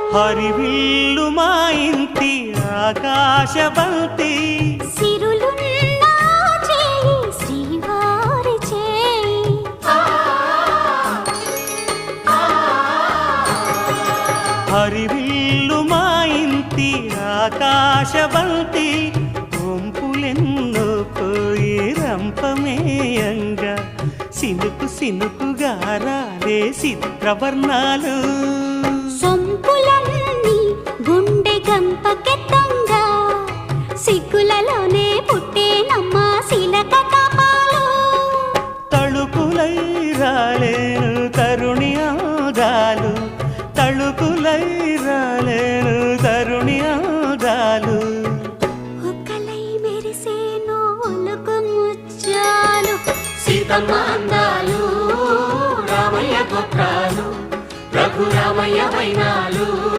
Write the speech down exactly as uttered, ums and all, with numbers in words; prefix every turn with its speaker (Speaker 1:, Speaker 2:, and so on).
Speaker 1: హరివిల్లు మా ఇంటి ఆకాశబంతి
Speaker 2: సిరులున్నా చేయి శ్రీవారి చేయి
Speaker 1: హరివిల్లు మా ఇంటి ఆకాశబంతి వంపులెన్నో పోయి రంపమేయంగా సినుకు సినుకుగా రాలే చిత్రవర్ణాలు
Speaker 2: సొంపులన్నీ గుండె గంపకెత్తంగా సిగ్గులలోనే పుట్టేనమ్మా శిలక కపాలు
Speaker 1: తళుకులై రాలేను తరుణి ఆదాలు తళుకులై రాలేను తరుణి ఆదాలు
Speaker 2: ఒక్కలై మెరిసేనో ఒలుకు ముచ్చాలు
Speaker 3: సీతమ్మ అందాలు రామయ్య గోత్రాలు రఘురామయ్య వైనాలు